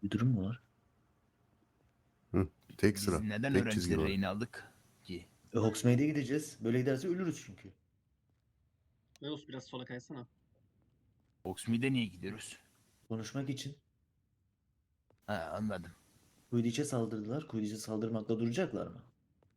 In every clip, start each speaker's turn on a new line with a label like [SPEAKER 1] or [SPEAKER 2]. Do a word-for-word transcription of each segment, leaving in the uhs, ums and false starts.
[SPEAKER 1] Bir durum mu var?
[SPEAKER 2] Hı, tek
[SPEAKER 3] Biz
[SPEAKER 2] sıra.
[SPEAKER 3] neden
[SPEAKER 2] Tek çizgi
[SPEAKER 3] öğrencileri
[SPEAKER 2] var.
[SPEAKER 3] rehin aldık ki?
[SPEAKER 1] E, Hogsmeade'e gideceğiz. Böyle giderse ölürüz çünkü.
[SPEAKER 4] Zeus biraz sola kaysana.
[SPEAKER 3] Oxmead'e niye gidiyoruz?
[SPEAKER 1] Konuşmak için.
[SPEAKER 3] Ha, anladım.
[SPEAKER 1] Quidditch'e saldırdılar. Quidditch'e saldırmakla duracaklar mı?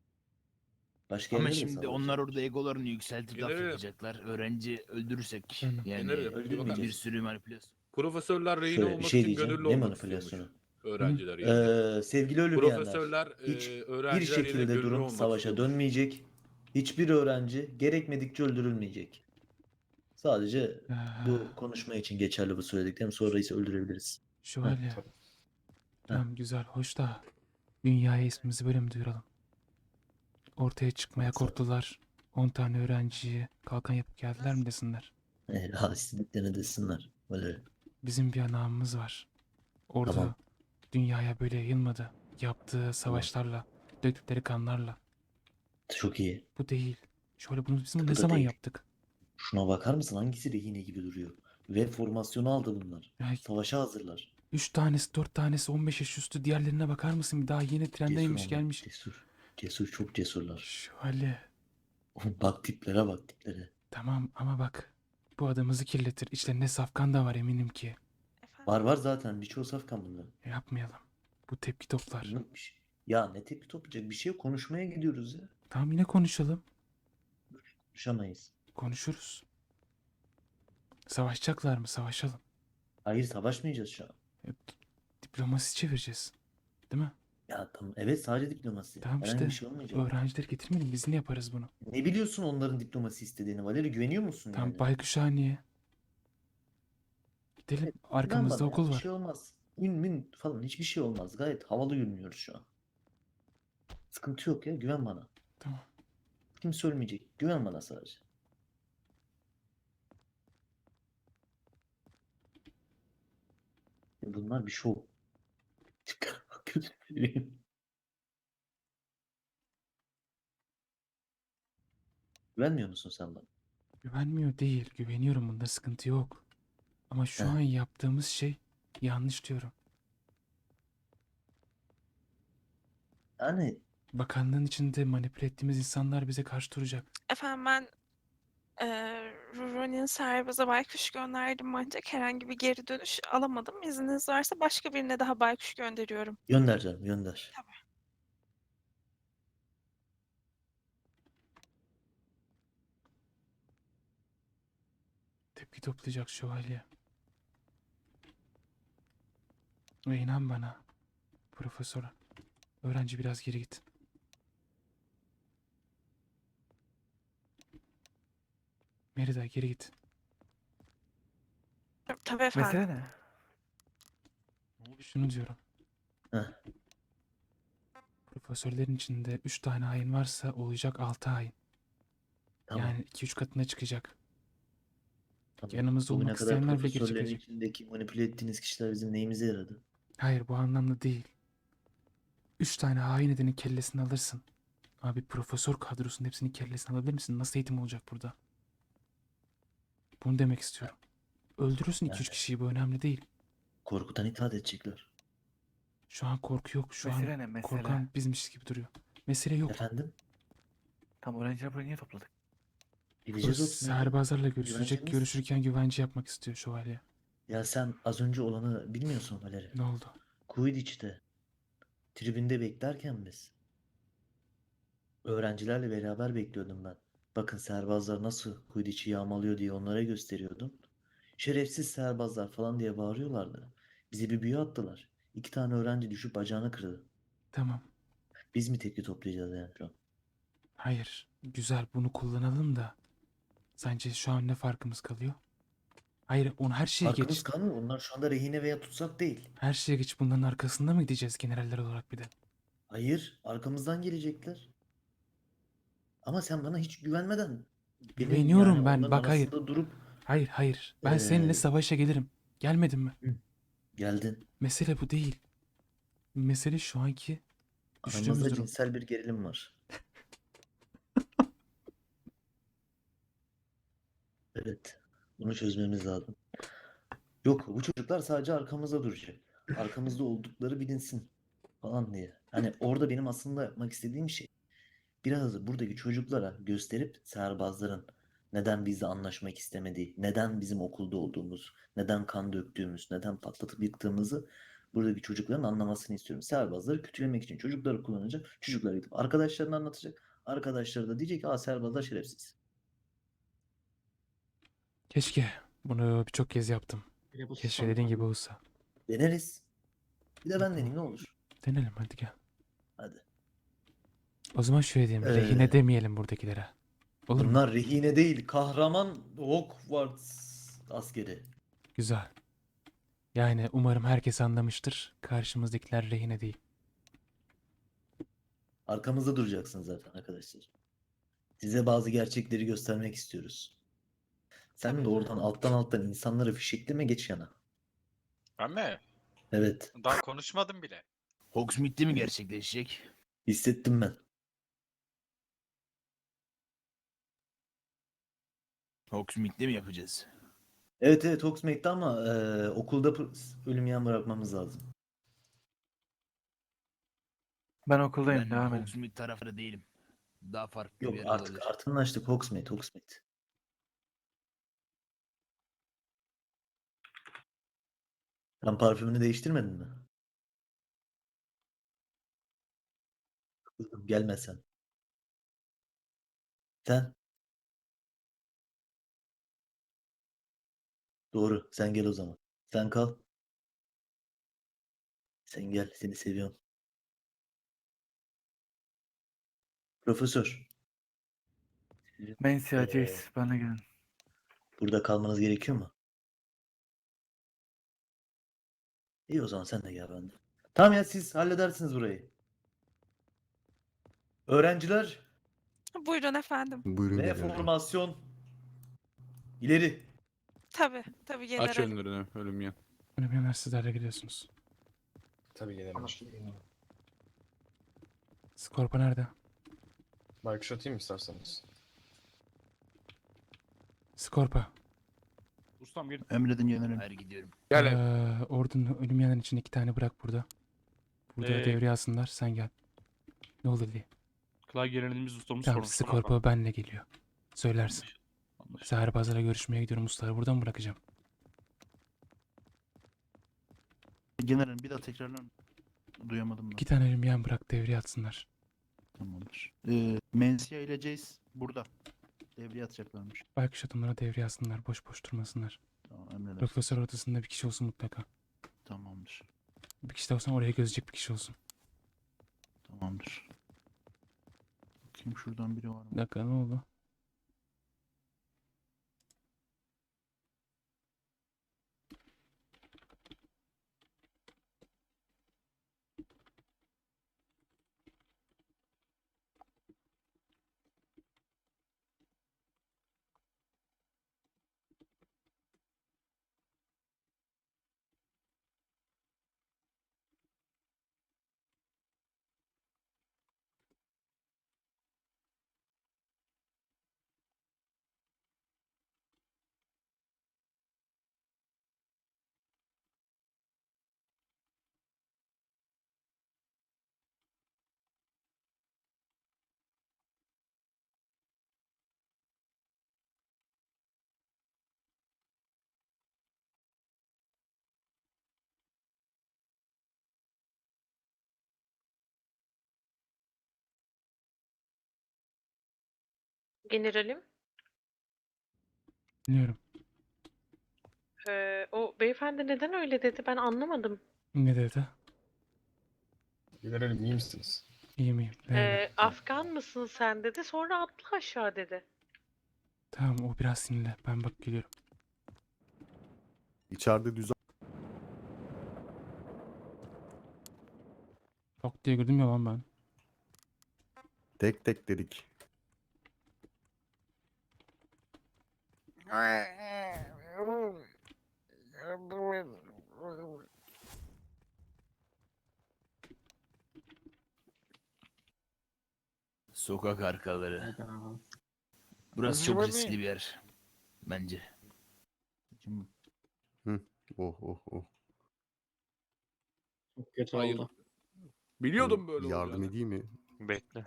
[SPEAKER 1] Başka
[SPEAKER 3] Ama
[SPEAKER 1] yerlere de
[SPEAKER 3] şimdi onlar
[SPEAKER 1] saldıracaklar.
[SPEAKER 3] orada egolarını yükseltip laf
[SPEAKER 5] Gelirim.
[SPEAKER 3] yapacaklar. Öğrenci öldürürsek
[SPEAKER 6] Efendim?
[SPEAKER 3] yani
[SPEAKER 5] Gelirim.
[SPEAKER 1] Öldürmeyeceğiz.
[SPEAKER 3] bir
[SPEAKER 1] Öldürmeyeceğiz.
[SPEAKER 3] sürü manipülasyon.
[SPEAKER 5] Profesörler rehin
[SPEAKER 1] Şöyle bir
[SPEAKER 5] olmak
[SPEAKER 1] şey
[SPEAKER 5] için
[SPEAKER 1] diyeceğim.
[SPEAKER 5] gönüllü
[SPEAKER 1] Ne
[SPEAKER 5] olmak istiyormuş.
[SPEAKER 1] manipülasyonu?
[SPEAKER 5] Öğrenciler yerine.
[SPEAKER 1] Ee, sevgili ölmeyenler.
[SPEAKER 5] Profesörler, e,
[SPEAKER 1] Hiç bir
[SPEAKER 5] öğrenciler yerine
[SPEAKER 1] şekilde
[SPEAKER 5] gönüllü
[SPEAKER 1] durum
[SPEAKER 5] olmak
[SPEAKER 1] savaşa
[SPEAKER 5] istiyormuş.
[SPEAKER 1] dönmeyecek. Hiçbir öğrenci gerekmedikçe öldürülmeyecek. Sadece bu konuşma için geçerli bu söylediklerim. Sonra ise öldürebiliriz.
[SPEAKER 6] Şöyle. Tamam güzel, hoş da dünyaya ismimizi böyle mi duyuralım? Ortaya çıkmaya
[SPEAKER 1] Nasıl?
[SPEAKER 6] korktular. on tane öğrenciyi kalkan yapıp geldiler mi desinler?
[SPEAKER 1] E, ha, istediklerini desinler. Böyle.
[SPEAKER 6] Bizim bir namımız var. Orada
[SPEAKER 1] Tamam.
[SPEAKER 6] dünyaya böyle yayılmadı. Yaptığı savaşlarla, döktükleri kanlarla.
[SPEAKER 1] Çok iyi.
[SPEAKER 6] Bu değil. Şöyle bunu biz bunu
[SPEAKER 1] Bu
[SPEAKER 6] ne
[SPEAKER 1] da
[SPEAKER 6] zaman
[SPEAKER 1] değil.
[SPEAKER 6] yaptık?
[SPEAKER 1] Şuna bakar mısın? Hangisi rehine gibi duruyor? Ve formasyonu aldı bunlar.
[SPEAKER 6] Ya,
[SPEAKER 1] Savaşa hazırlar.
[SPEAKER 6] üç tanesi, dört tanesi, on beş yaş üstü, diğerlerine bakar mısın? Bir daha yeni
[SPEAKER 1] Cesur
[SPEAKER 6] trendeymiş
[SPEAKER 1] onlar,
[SPEAKER 6] gelmiş.
[SPEAKER 1] Cesur. Cesur, çok cesurlar.
[SPEAKER 6] Şöyle.
[SPEAKER 1] Bak tiplere bak tiplere.
[SPEAKER 6] Tamam ama bak. Bu adamızı kirletir. İçlerinde safkan da var eminim ki.
[SPEAKER 1] Var var zaten. Birçoğu safkan bunlar.
[SPEAKER 6] Yapmayalım. Bu tepki toplar.
[SPEAKER 1] Bunun bir şey- Ya ne tepki toplayacak? Bir şey yok. Konuşmaya gidiyoruz ya.
[SPEAKER 6] Tamam yine konuşalım.
[SPEAKER 1] Konuşamayız.
[SPEAKER 6] Konuşuruz. Savaşacaklar mı? Savaşalım.
[SPEAKER 1] Hayır, savaşmayacağız şu an.
[SPEAKER 6] E, Diplomasi çevireceğiz. Değil mi?
[SPEAKER 1] Ya tamam. Evet, sadece diplomasi.
[SPEAKER 6] Tamam
[SPEAKER 1] Herhangi
[SPEAKER 6] işte.
[SPEAKER 1] bir şey olmayacak.
[SPEAKER 6] Öğrencileri getirmeyelim. Biz ne yaparız bunu?
[SPEAKER 1] Ne biliyorsun onların diplomasi istediğini? Valeri, güveniyor musun
[SPEAKER 6] Tamam
[SPEAKER 1] yani?
[SPEAKER 6] Baykuşhane'ye. Gidelim.
[SPEAKER 1] Evet, güven
[SPEAKER 6] Arkamızda
[SPEAKER 1] bana ya,
[SPEAKER 6] okul
[SPEAKER 1] bir
[SPEAKER 6] var.
[SPEAKER 1] şey olmaz. Ün mün falan hiçbir şey olmaz. Gayet havalı yürünüyoruz şu an. Sıkıntı yok ya, güven bana.
[SPEAKER 6] Tamam.
[SPEAKER 1] Kimse ölmeyecek. Güven bana sadece. Ya bunlar bir şov. Güvenmiyor musun sen bana?
[SPEAKER 6] Güvenmiyor değil. Güveniyorum. Bunda sıkıntı yok. Ama şu
[SPEAKER 1] Heh.
[SPEAKER 6] an yaptığımız şey yanlış diyorum.
[SPEAKER 1] Yani
[SPEAKER 6] Bakanlığın içinde manipüle ettiğimiz insanlar bize karşı duracak.
[SPEAKER 7] Efendim ben eee Ronin Serbaz'a baykuş gönderdim ancak herhangi bir geri dönüş alamadım. İzniniz varsa başka birine daha baykuş gönderiyorum.
[SPEAKER 1] gönder canım, gönder.
[SPEAKER 7] Tabii.
[SPEAKER 6] Tepki toplayacak şövalye. Ve inan bana. Profesör. Öğrenci biraz geri git. Merida geri git.
[SPEAKER 7] Tabii efendim.
[SPEAKER 8] Mesele ne?
[SPEAKER 6] Şunu diyorum.
[SPEAKER 1] Heh.
[SPEAKER 6] Profesörlerin içinde üç tane hain varsa olacak altı hain.
[SPEAKER 1] Tamam.
[SPEAKER 6] Yani iki üç katına çıkacak.
[SPEAKER 1] Tamam.
[SPEAKER 6] Yanımızda
[SPEAKER 1] Bugüne
[SPEAKER 6] olmak
[SPEAKER 1] kadar
[SPEAKER 6] isteyenler bile geri
[SPEAKER 1] profesörlerin
[SPEAKER 6] çekecek.
[SPEAKER 1] içindeki manipüle ettiğiniz kişiler bizim neyimize yaradı?
[SPEAKER 6] Hayır bu anlamda değil. Üç tane hain edenin kellesini alırsın. Abi profesör kadrosunun hepsinin kellesini alabilir misin? Nasıl eğitim olacak burada? Bunu demek istiyorum. Öldürürsün iki üç
[SPEAKER 1] Yani.
[SPEAKER 6] kişiyi, bu önemli değil.
[SPEAKER 1] Korkudan itaat edecekler.
[SPEAKER 6] Şu an korku yok. Şu
[SPEAKER 8] Mesele
[SPEAKER 6] an
[SPEAKER 8] ne? Mesele.
[SPEAKER 6] korkan bizmişiz gibi duruyor. Mesele yok.
[SPEAKER 1] Efendim?
[SPEAKER 8] Tam öğrenciler buraya niye topladık?
[SPEAKER 6] Bu
[SPEAKER 1] Gideceğiz Hogsmeade'e.
[SPEAKER 6] serbazlarla görüşecek.
[SPEAKER 1] Güvencemiz-
[SPEAKER 6] Görüşürken güvence yapmak istiyor şövalye.
[SPEAKER 1] Ya sen az önce olanı bilmiyorsun Valeri.
[SPEAKER 6] Ne oldu?
[SPEAKER 1] Quidditch'te tribünde beklerken biz öğrencilerle beraber bekliyordum ben. Bakın serbazlar nasıl Quidditch'i yağmalıyor diye onlara gösteriyordum. Şerefsiz serbazlar falan diye bağırıyorlardı. Bize bir büyü attılar. İki tane öğrenci düşüp bacağını kırdı.
[SPEAKER 6] Tamam.
[SPEAKER 1] Biz mi tepki toplayacağız yani şu an?
[SPEAKER 6] Hayır. Güzel, bunu kullanalım da. Sence şu an ne farkımız kalıyor? Hayır, onu her şeye
[SPEAKER 1] Farkımız
[SPEAKER 6] geç.
[SPEAKER 1] kalmıyor. Onlar şu anda rehine veya tutsak değil.
[SPEAKER 6] Her şeye geç, bunların arkasında mı gideceğiz generaller olarak bir de?
[SPEAKER 1] Hayır, arkamızdan gelecekler. Ama sen bana hiç güvenmeden benim
[SPEAKER 6] Güveniyorum
[SPEAKER 1] yani
[SPEAKER 6] ben.
[SPEAKER 1] onların
[SPEAKER 6] Bak hayır.
[SPEAKER 1] arasında durup
[SPEAKER 6] Hayır hayır. Ben
[SPEAKER 1] Ee,
[SPEAKER 6] seninle savaşa gelirim. Gelmedin mi?
[SPEAKER 1] geldin.
[SPEAKER 6] Mesele bu değil. Mesele şu anki düştüğümüz
[SPEAKER 1] Aramızda
[SPEAKER 6] durum.
[SPEAKER 1] cinsel bir gerilim var. Evet. Bunu çözmemiz lazım. Yok, bu çocuklar sadece arkamızda duracak. arkamızda oldukları bilinsin falan diye. Hani orada benim aslında yapmak istediğim şey biraz da buradaki çocuklara gösterip serbazların neden bizle anlaşmak istemediği, neden bizim okulda olduğumuz, neden kan döktüğümüz, neden patlatıp yıktığımızı buradaki çocukların anlamasını istiyorum. Serbazları kötülemek için çocukları kullanacak, çocuklara gidip arkadaşlarına anlatacak. Arkadaşları da diyecek ki aa serbazlar şerefsiz.
[SPEAKER 6] Keşke bunu birçok kez yaptım.
[SPEAKER 4] Bir de bu
[SPEAKER 6] Keşke
[SPEAKER 4] son
[SPEAKER 6] dediğin gibi
[SPEAKER 4] tahmin.
[SPEAKER 6] olsa.
[SPEAKER 1] Deneriz. Bir de ben deneyeyim ne olur.
[SPEAKER 6] Denelim hadi gel.
[SPEAKER 1] Hadi.
[SPEAKER 6] O zaman şöyle diyelim.
[SPEAKER 1] Ee,
[SPEAKER 6] Rehine demeyelim buradakilere. Olur mu?
[SPEAKER 1] Bunlar rehine değil, kahraman Hogwarts askeri.
[SPEAKER 6] Güzel. Yani umarım herkes anlamıştır. Karşımızdakiler rehine değil.
[SPEAKER 1] Arkamızda duracaksın zaten arkadaşlar. Size bazı gerçekleri göstermek istiyoruz. Sen
[SPEAKER 7] Tabii
[SPEAKER 1] de
[SPEAKER 7] ki.
[SPEAKER 1] oradan alttan alttan insanları fişekleme geç yana.
[SPEAKER 9] Ben mi?
[SPEAKER 1] Evet,
[SPEAKER 9] Daha konuşmadım bile.
[SPEAKER 3] Hogsmeade'de mi gerçekleşecek?
[SPEAKER 1] hissettim ben.
[SPEAKER 3] Hogsmeade'de mi yapacağız?
[SPEAKER 1] Evet evet Hogsmeade'de ama e, okulda pr- ölüm yan bırakmamız lazım.
[SPEAKER 8] Ben okuldayım.
[SPEAKER 3] Ben
[SPEAKER 8] Devam edin.
[SPEAKER 3] Hogsmeade tarafında değilim. Daha farklı
[SPEAKER 1] Yok
[SPEAKER 3] bir yer
[SPEAKER 1] artık
[SPEAKER 3] olabilir.
[SPEAKER 1] artık anlaştık Hogsmeade, Hogsmeade. Sen parfümünü değiştirmedin mi? Kızım gelme sen. Sen? Doğru, sen gel o zaman. Sen kal. Sen gel, seni seviyorum. Profesör,
[SPEAKER 8] Mensia,
[SPEAKER 1] Ee,
[SPEAKER 8] Jace. Bana gelin.
[SPEAKER 1] burada kalmanız gerekiyor mu? İyi o zaman sen de gel bende. Tamam ya siz halledersiniz burayı. Öğrenciler
[SPEAKER 7] Buyurun efendim.
[SPEAKER 2] Buyurun
[SPEAKER 1] ve
[SPEAKER 2] generalim.
[SPEAKER 1] formasyon ileri.
[SPEAKER 7] Tabii, tabii
[SPEAKER 5] Aç
[SPEAKER 7] generalim.
[SPEAKER 5] önlerini ölüm yan.
[SPEAKER 6] Ölüm yanar sizlerle gidiyorsunuz.
[SPEAKER 10] Tabii gelemem.
[SPEAKER 6] Skorpa nerede?
[SPEAKER 10] Baykuş atayım isterseniz.
[SPEAKER 6] Skorpa.
[SPEAKER 8] Ustam gel.
[SPEAKER 3] Emredin generalim. Hayır gidiyorum.
[SPEAKER 5] Gel.
[SPEAKER 6] Ee, ordunun ölüm yanan için iki tane bırak burada. Burada
[SPEAKER 8] Ee,
[SPEAKER 6] devreye alsınlar. Sen gel. Ne oldu diye.
[SPEAKER 8] Klavye gelenimiz ustamız
[SPEAKER 6] Tamam
[SPEAKER 8] sormuş. Sonra
[SPEAKER 6] Skorpa benle geliyor. Söylersin.
[SPEAKER 8] Anlaşıldı.
[SPEAKER 6] Seherbazlara görüşmeye gidiyorum. Ustaları buradan bırakacağım.
[SPEAKER 11] Genel bir daha tekrarlar. Duyamadım ben.
[SPEAKER 6] İki tane ölüm yan bırak devreye atsınlar.
[SPEAKER 11] Tamamdır. Ee, Mensia ile Jace burada. Devreye atacaklarmış.
[SPEAKER 6] Baykuş adamlara devreye alsınlar. Boş boş durmasınlar.
[SPEAKER 11] Tamam emredersiniz.
[SPEAKER 6] Profesör odasında bir kişi olsun mutlaka.
[SPEAKER 11] Tamamdır.
[SPEAKER 6] Bir kişi de olsan oraya gözecek bir kişi olsun.
[SPEAKER 11] Tamamdır. Bakayım şuradan biri var
[SPEAKER 6] Bir
[SPEAKER 11] mı?
[SPEAKER 6] dakika ne oldu?
[SPEAKER 12] Generalim,
[SPEAKER 6] Biliyorum.
[SPEAKER 12] eee, o beyefendi neden öyle dedi ben anlamadım.
[SPEAKER 6] Ne dedi?
[SPEAKER 10] Generalim iyi misiniz?
[SPEAKER 6] İyiyim iyiyim. Ne dedi?
[SPEAKER 12] Eee, Afgan mısın sen dedi sonra atla aşağı dedi.
[SPEAKER 6] Tamam o biraz sinirli. Ben bak geliyorum.
[SPEAKER 2] İçeride düzen
[SPEAKER 6] Yok diye girdim ya lan ben.
[SPEAKER 2] tek tek dedik.
[SPEAKER 3] Sokak arkaları.
[SPEAKER 4] Hayda.
[SPEAKER 3] Burası çok riskli bir yer. Bence.
[SPEAKER 11] Kim?
[SPEAKER 2] Oh oh oh.
[SPEAKER 4] Çok kötü
[SPEAKER 5] Hayır.
[SPEAKER 4] oldu.
[SPEAKER 5] Biliyordum böyle
[SPEAKER 2] Yardım
[SPEAKER 5] olacağını.
[SPEAKER 2] edeyim mi?
[SPEAKER 9] Bekle.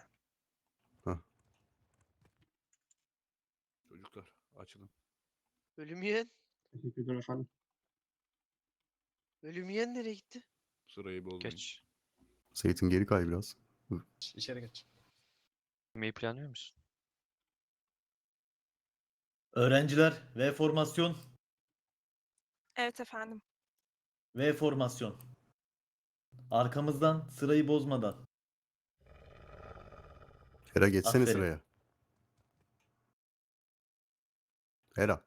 [SPEAKER 5] Çocuklar açılın.
[SPEAKER 13] Ölüm yiyen.
[SPEAKER 4] Teşekkürler efendim.
[SPEAKER 13] Ölüm yiyen nereye gitti?
[SPEAKER 5] Sırayı bozmayın.
[SPEAKER 9] Geç.
[SPEAKER 2] Seyit'in geri kay biraz.
[SPEAKER 10] İçeri geç.
[SPEAKER 9] Yemeği planlıyor musun?
[SPEAKER 1] Öğrenciler V formasyon.
[SPEAKER 7] Evet efendim.
[SPEAKER 1] V formasyon. Arkamızdan sırayı bozmadan.
[SPEAKER 2] Hera geçsene
[SPEAKER 1] Aferin.
[SPEAKER 2] sıraya. Hera.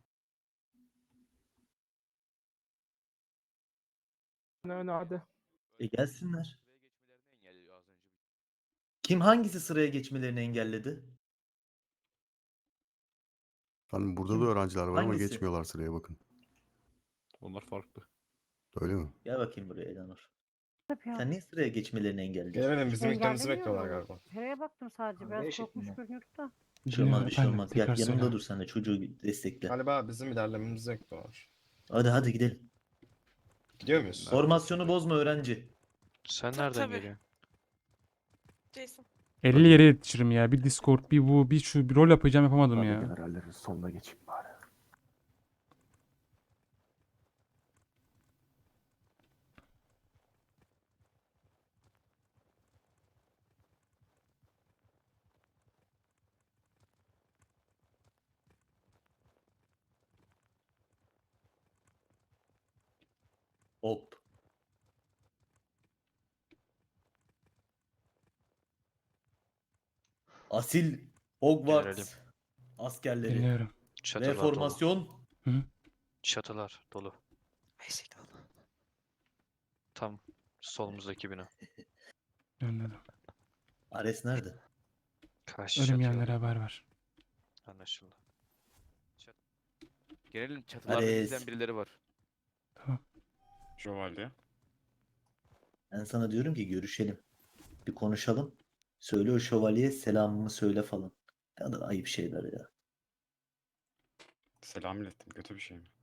[SPEAKER 1] E gelsinler. Kim hangisi sıraya geçmelerini engelledi?
[SPEAKER 2] Hani burada
[SPEAKER 1] Kim?
[SPEAKER 2] da öğrenciler var ama
[SPEAKER 1] Hangisi?
[SPEAKER 2] geçmiyorlar sıraya bakın.
[SPEAKER 5] Onlar farklı.
[SPEAKER 2] Öyle mi?
[SPEAKER 1] Gel bakayım buraya Elanur. Sen niye sıraya geçmelerini engelledin?
[SPEAKER 10] Gelemedim, bizim eklemimizi
[SPEAKER 12] Engellemiyor
[SPEAKER 10] bekliyorlar
[SPEAKER 12] mu?
[SPEAKER 10] galiba.
[SPEAKER 12] Hereye baktım sadece. Biraz korkmuş görünüyordu da.
[SPEAKER 1] Bir şey olmaz, bir şey
[SPEAKER 6] Efendim,
[SPEAKER 1] olmaz. Gel
[SPEAKER 6] tekrar
[SPEAKER 1] yanımda
[SPEAKER 6] söyle.
[SPEAKER 1] dur sen de çocuğu destekle.
[SPEAKER 10] Galiba bizim ilerlememizi bekliyorlar.
[SPEAKER 1] Hadi hadi gidelim.
[SPEAKER 10] Gidiyor muyuz?
[SPEAKER 1] Formasyonu bozma öğrenci.
[SPEAKER 9] Sen
[SPEAKER 7] Ta-
[SPEAKER 9] nereden
[SPEAKER 7] tabii.
[SPEAKER 9] geliyorsun?
[SPEAKER 7] Jason.
[SPEAKER 6] elli yere yetişirim ya. Bir Discord, bir bu, bir şu, bir rol yapacağım yapamadım ya.
[SPEAKER 11] Generallerin sonuna geçeyim bari.
[SPEAKER 1] Hop. Asil Hogwarts
[SPEAKER 9] Generalim.
[SPEAKER 1] askerleri.
[SPEAKER 6] Dinliyorum.
[SPEAKER 1] Ve
[SPEAKER 9] Çatılar dolu.
[SPEAKER 1] formasyon.
[SPEAKER 9] Çatılar dolu. Tam solumuzdaki bina.
[SPEAKER 6] Anladım.
[SPEAKER 1] Ares nerede?
[SPEAKER 9] Karşı
[SPEAKER 6] Ölüm
[SPEAKER 9] çatıya
[SPEAKER 6] yiyenlere
[SPEAKER 9] alın.
[SPEAKER 6] haber ver.
[SPEAKER 9] Anlaşıldı.
[SPEAKER 3] Gelelim çatılarda
[SPEAKER 1] Ares.
[SPEAKER 3] bizden birileri var.
[SPEAKER 6] Tamam.
[SPEAKER 10] Şövalye.
[SPEAKER 1] Ben sana diyorum ki görüşelim. Bir konuşalım. Söyle o şövalyeye selamımı söyle falan. Ne kadar ayıp şeyler ya.
[SPEAKER 10] Selam ilettim. Kötü bir şey mi?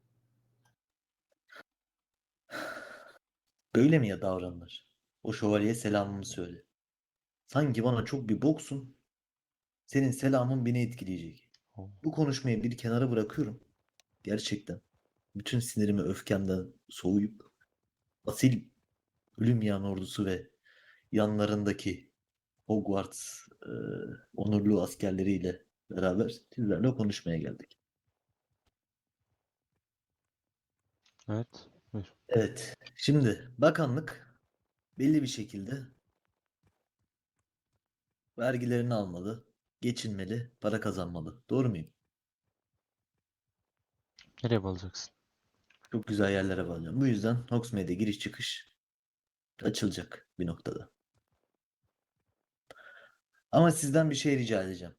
[SPEAKER 1] Böyle mi ya davranılır? O şövalyeye selamımı söyle. Sanki bana çok bir boksun. Senin selamın beni etkileyecek. Bu konuşmayı bir kenara bırakıyorum. Gerçekten. Bütün sinirimi öfkemden soğuyup asil ölüm yan ordusu ve yanlarındaki Hogwarts e, onurlu askerleriyle beraber sizlerle konuşmaya geldik.
[SPEAKER 11] Evet. Buyur.
[SPEAKER 1] Evet. Şimdi bakanlık belli bir şekilde vergilerini almalı, geçinmeli, para kazanmalı. Doğru muyum?
[SPEAKER 11] Nereye bağlayacaksın?
[SPEAKER 1] Çok güzel yerlere bağlayacağım. Bu yüzden Hogsmeade'e giriş çıkış açılacak bir noktada. Ama sizden bir şey rica edeceğim.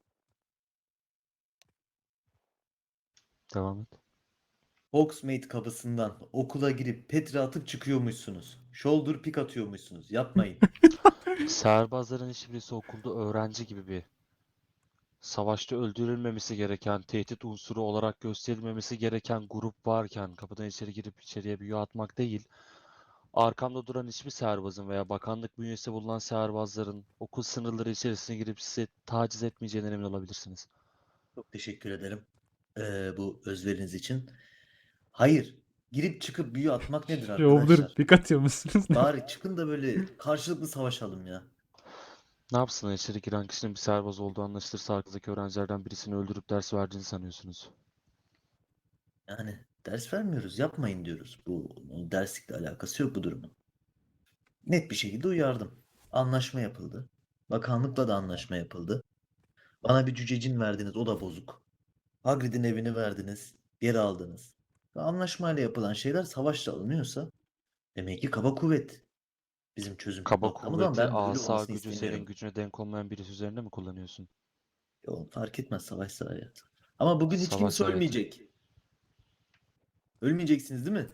[SPEAKER 11] Devam et.
[SPEAKER 1] Hogsmeade kapısından okula girip Petri atıp çıkıyormuşsunuz. Shoulder pick atıyormuşsunuz. Yapmayın.
[SPEAKER 11] Seherbazların hiçbirisi okulda öğrenci gibi bir savaşta öldürülmemesi gereken, tehdit unsuru olarak gösterilmemesi gereken grup varken kapıdan içeri girip içeriye büyü atmak değil, arkamda duran hiçbir seherbazın veya bakanlık bünyesinde bulunan seherbazların okul sınırları içerisine girip sizi taciz etmeyeceğinden emin olabilirsiniz.
[SPEAKER 1] Çok teşekkür ederim eee, bu özveriniz için. Hayır. Girip çıkıp büyü atmak nedir
[SPEAKER 6] Shoulder
[SPEAKER 1] arkadaşlar?
[SPEAKER 6] pick atıyor musunuz?
[SPEAKER 1] Bari çıkın da böyle karşılıklı savaşalım ya.
[SPEAKER 11] Ne yapsınlar, içeri giren kişinin bir seherbaz olduğu anlaşılırsa arkanızdaki öğrencilerden birisini öldürüp ders verdiğini sanıyorsunuz.
[SPEAKER 1] Yani ders vermiyoruz, yapmayın diyoruz. Bu derslikle alakası yok bu durumun. Net bir şekilde uyardım. Anlaşma yapıldı. Bakanlıkla da anlaşma yapıldı. Bana bir cücecin verdiniz, o da bozuk. Hagrid'in evini verdiniz, geri aldınız. Ve anlaşmayla yapılan şeyler savaşla alınıyorsa demek ki kaba kuvvet bizim çözüm
[SPEAKER 11] Kaba
[SPEAKER 1] noktamız ama
[SPEAKER 11] kuvveti,
[SPEAKER 1] ben böyle
[SPEAKER 11] asa
[SPEAKER 1] olmasını
[SPEAKER 11] gücü senin
[SPEAKER 1] istemiyorum.
[SPEAKER 11] gücüne denk olmayan birisi üzerinde mi kullanıyorsun?
[SPEAKER 1] Yo, fark etmez savaşsa hayat. Ama bugün hiç
[SPEAKER 11] Savaş
[SPEAKER 1] kimse
[SPEAKER 11] hayatı.
[SPEAKER 1] ölmeyecek. Ölmeyeceksiniz değil mi?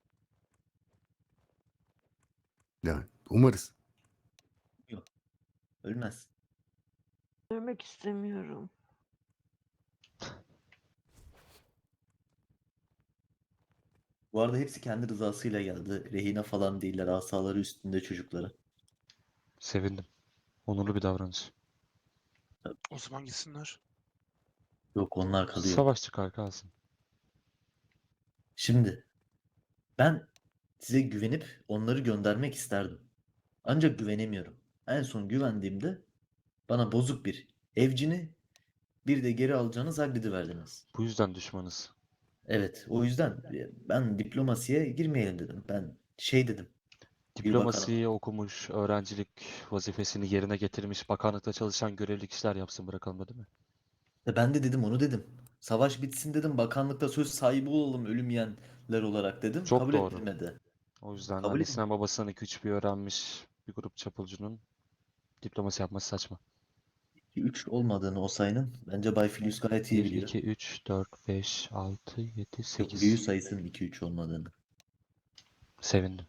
[SPEAKER 2] Yani umarız.
[SPEAKER 1] Ölmez.
[SPEAKER 12] Ölmek istemiyorum.
[SPEAKER 1] Bu arada hepsi kendi rızasıyla geldi. Rehine falan değiller. Asaları üstünde çocukları.
[SPEAKER 11] Sevindim. Onurlu bir davranış.
[SPEAKER 8] O zaman gitsinler.
[SPEAKER 1] Yok, onlar kalıyor.
[SPEAKER 11] Savaş çıkar kalsın.
[SPEAKER 1] Şimdi ben size güvenip onları göndermek isterdim. Ancak güvenemiyorum. En son güvendiğimde bana bozuk bir evcini, bir de geri alacağınız Hagrid'i verdiniz.
[SPEAKER 11] Bu yüzden düşmanız.
[SPEAKER 1] Evet, o yüzden e, ben diplomasiye girmeyelim dedim. Ben şey dedim. Bir bakanım.
[SPEAKER 11] Diplomasiyi okumuş, öğrencilik vazifesini yerine getirmiş, bakanlıkta çalışan görevli kişiler yapsın bırakalım da, değil mi?
[SPEAKER 1] E ben de dedim, onu dedim. Savaş bitsin dedim. Bakanlıkta söz sahibi olalım ölüm yiyenler olarak dedim.
[SPEAKER 11] Çok
[SPEAKER 1] Kabul
[SPEAKER 11] doğru.
[SPEAKER 1] ettirmedi.
[SPEAKER 11] O yüzden
[SPEAKER 1] Kabul
[SPEAKER 11] annesinden babasından iki üç bir öğrenmiş bir grup çapulcunun diplomasi yapması saçma.
[SPEAKER 1] üç olmadığını o sayının bence Bay Filius gayet iyi
[SPEAKER 11] bir,
[SPEAKER 1] biliyor.
[SPEAKER 11] iki, üç, dört, beş, altı, yedi,
[SPEAKER 1] Yok,
[SPEAKER 11] sekiz.
[SPEAKER 1] büyü sayısının iki üç olmadığını.
[SPEAKER 11] Sevindim.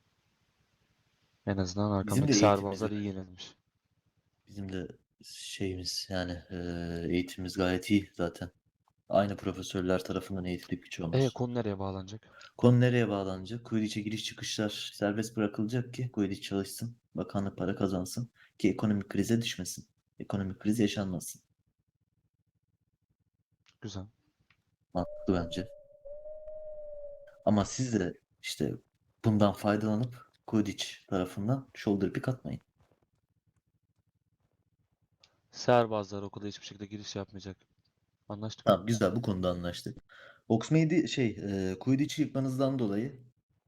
[SPEAKER 11] En azından
[SPEAKER 1] Bizim
[SPEAKER 11] arkamdaki
[SPEAKER 1] de
[SPEAKER 11] serbazlar iyi
[SPEAKER 1] eğitimimiz
[SPEAKER 11] yenilmiş.
[SPEAKER 1] Bizim de şeyimiz yani e, eğitimimiz gayet iyi zaten. Aynı profesörler tarafından eğitilip
[SPEAKER 11] E
[SPEAKER 1] geçiyoruz.
[SPEAKER 11] konu nereye bağlanacak?
[SPEAKER 1] Konu nereye bağlanacak? Quidditch'e giriş çıkışlar serbest bırakılacak ki Quidditch çalışsın, bakanlık para kazansın ki ekonomik krize düşmesin. Ekonomik kriz yaşanmasın.
[SPEAKER 11] Güzel.
[SPEAKER 1] Mantıklı bence. Ama siz de işte bundan faydalanıp Quidditch tarafından shoulder pick atmayın.
[SPEAKER 11] Serbazlar okula hiçbir şekilde giriş yapmayacak. Anlaştık mı?
[SPEAKER 1] Tamam, güzel, bu konuda anlaştık. Hogsmeade'i şey e, Quidditch'i yıkmanızdan dolayı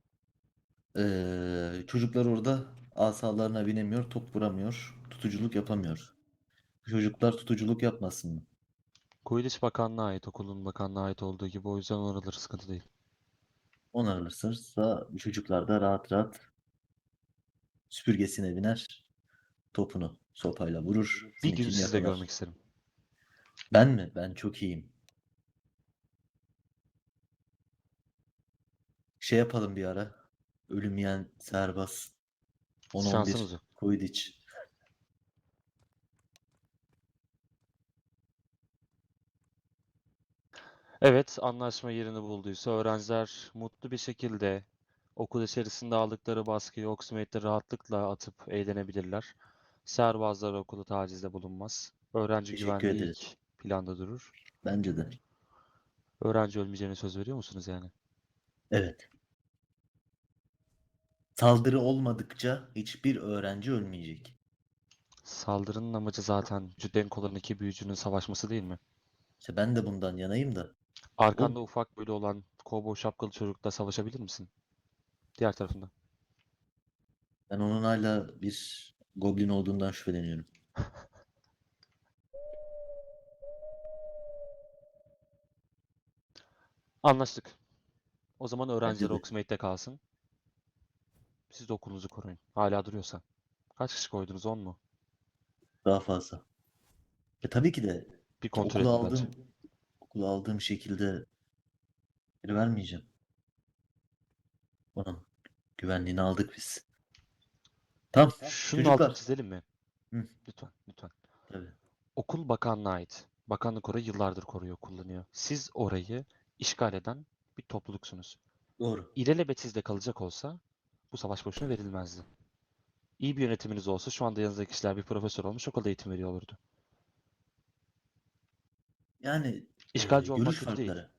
[SPEAKER 1] e, çocuklar orada asalarına binemiyor, top vuramıyor, tutuculuk yapamıyor. Çocuklar tutuculuk yapmasın mı?
[SPEAKER 11] Quidditch Bakanlığı'na ait, okulun bakanlığına ait olduğu gibi, o yüzden oraları sıkıntı değil.
[SPEAKER 1] Onarılırsa bu çocuklar da rahat rahat süpürgesine biner, topunu sopayla vurur,
[SPEAKER 11] Bir gün
[SPEAKER 1] seninkini
[SPEAKER 11] sizi de
[SPEAKER 1] yakalar.
[SPEAKER 11] görmek isterim.
[SPEAKER 1] Ben mi? Ben çok iyiyim. Şey yapalım bir ara. Ölüm yiyen serbaz. on on bir
[SPEAKER 11] Şansınız yok.
[SPEAKER 1] Quidditch.
[SPEAKER 11] Evet, anlaşma yerini bulduysa öğrenciler mutlu bir şekilde okul içerisinde aldıkları baskıyı Hogsmeade'de rahatlıkla atıp eğlenebilirler. Serbazlar okulu tacizde bulunmaz. Öğrenci
[SPEAKER 1] Teşekkür
[SPEAKER 11] güvenliği
[SPEAKER 1] ederiz.
[SPEAKER 11] ilk planda durur.
[SPEAKER 1] Bence de.
[SPEAKER 11] Öğrenci ölmeyeceğine söz veriyor musunuz yani?
[SPEAKER 1] Evet. Saldırı olmadıkça hiçbir öğrenci ölmeyecek.
[SPEAKER 11] Saldırının amacı zaten denk olan iki büyücünün savaşması değil mi?
[SPEAKER 1] İşte ben de bundan yanayım da.
[SPEAKER 11] Arkanda
[SPEAKER 1] O,
[SPEAKER 11] ufak böyle olan kovboy şapkalı çocukla savaşabilir misin? Diğer tarafında.
[SPEAKER 1] ben onun hala bir goblin olduğundan şüpheleniyorum.
[SPEAKER 11] Anlaştık. O zaman
[SPEAKER 1] Bence
[SPEAKER 11] öğrenciler
[SPEAKER 1] de.
[SPEAKER 11] Hogsmeade'de kalsın. Siz de okulunuzu koruyun. Hala duruyorsa. Kaç kişi koydunuz? on mu?
[SPEAKER 1] Daha fazla. E tabii ki de
[SPEAKER 11] Bir kontrol
[SPEAKER 1] okula
[SPEAKER 11] edin bence.
[SPEAKER 1] aldığım okula aldığım şekilde geri vermeyeceğim. Onun güvenliğini aldık biz. Tamam.
[SPEAKER 11] Şunun altını
[SPEAKER 1] Çocuklar.
[SPEAKER 11] çizelim mi?
[SPEAKER 1] Hı.
[SPEAKER 11] Lütfen, lütfen.
[SPEAKER 1] Tabii.
[SPEAKER 11] Okul bakanlığa ait. Bakanlık orayı yıllardır koruyor, kullanıyor. Siz orayı işgal eden bir topluluksunuz.
[SPEAKER 1] Doğru.
[SPEAKER 11] İlelebet sizde kalacak olsa bu savaş boşuna verilmezdi. İyi bir yönetiminiz olsa şu anda yanınızdaki kişiler bir profesör olmuş, okulda eğitim veriyor olurdu.
[SPEAKER 1] Yani e,
[SPEAKER 11] İşgalci olmak
[SPEAKER 1] görüş
[SPEAKER 11] kötü değil.
[SPEAKER 1] farkları.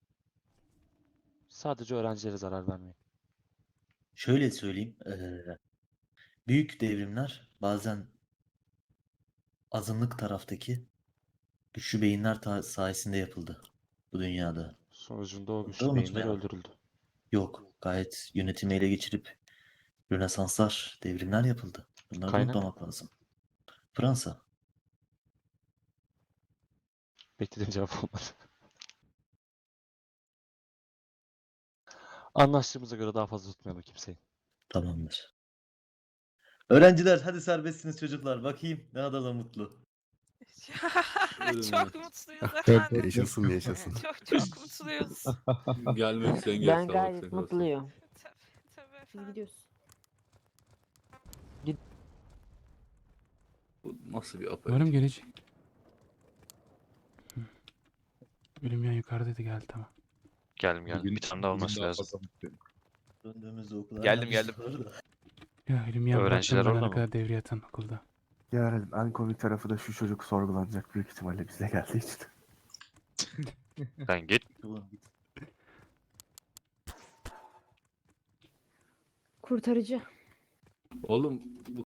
[SPEAKER 11] Sadece öğrencilere zarar vermeyin.
[SPEAKER 1] Şöyle söyleyeyim. e, büyük devrimler bazen azınlık taraftaki güçlü beyinler ta- sayesinde yapıldı bu dünyada.
[SPEAKER 11] Sonucunda o
[SPEAKER 1] Bunu da
[SPEAKER 11] güçlü beyinler
[SPEAKER 1] unutmayalım.
[SPEAKER 11] öldürüldü.
[SPEAKER 1] Yok, gayet yönetimi ele geçirip Rönesanslar, devrimler yapıldı. Bunları da
[SPEAKER 11] Kaynak?
[SPEAKER 1] unutmamak lazım. Fransa.
[SPEAKER 11] Beklediğim cevap olmadı. Anlaştığımıza göre daha fazla tutmayalım kimseyi.
[SPEAKER 1] Tamamdır. Öğrenciler hadi serbestsiniz çocuklar. Bakayım ne kadar da mutlu.
[SPEAKER 7] Çok mutluyuz efendim.
[SPEAKER 2] Yaşasın yaşasın.
[SPEAKER 7] Çok çok mutluyuz.
[SPEAKER 5] Gelmek isteyen
[SPEAKER 12] Ben
[SPEAKER 5] gelsin.
[SPEAKER 12] gayet mutluyum.
[SPEAKER 7] Tabii, tabii
[SPEAKER 12] Biz
[SPEAKER 7] efendim.
[SPEAKER 12] gidiyoruz.
[SPEAKER 5] Bu nasıl bir
[SPEAKER 6] Umarım
[SPEAKER 5] aperatif?
[SPEAKER 6] gelecek. Hı. Ölüm yan yukarıdaydı, geldi tamam.
[SPEAKER 9] Geldim geldim.
[SPEAKER 10] Bugün-
[SPEAKER 9] Bir tane daha
[SPEAKER 10] bugün
[SPEAKER 9] olması
[SPEAKER 10] daha
[SPEAKER 9] lazım.
[SPEAKER 10] fazla mutluyum.
[SPEAKER 1] Döndüğümüzde okula
[SPEAKER 9] Geldim,
[SPEAKER 1] hala
[SPEAKER 9] geldim.
[SPEAKER 1] var da.
[SPEAKER 6] Ya ölüm yan
[SPEAKER 9] Öğrenciler
[SPEAKER 6] bıraktım
[SPEAKER 9] orada
[SPEAKER 6] bana
[SPEAKER 9] mı?
[SPEAKER 6] kadar devre yatan okulda.
[SPEAKER 2] Yani en komik tarafı da şu çocuk sorgulanacak büyük ihtimalle bize geldiği için.
[SPEAKER 9] Sen git.
[SPEAKER 1] Ulan git.
[SPEAKER 12] Kurtarıcı.
[SPEAKER 5] Oğlum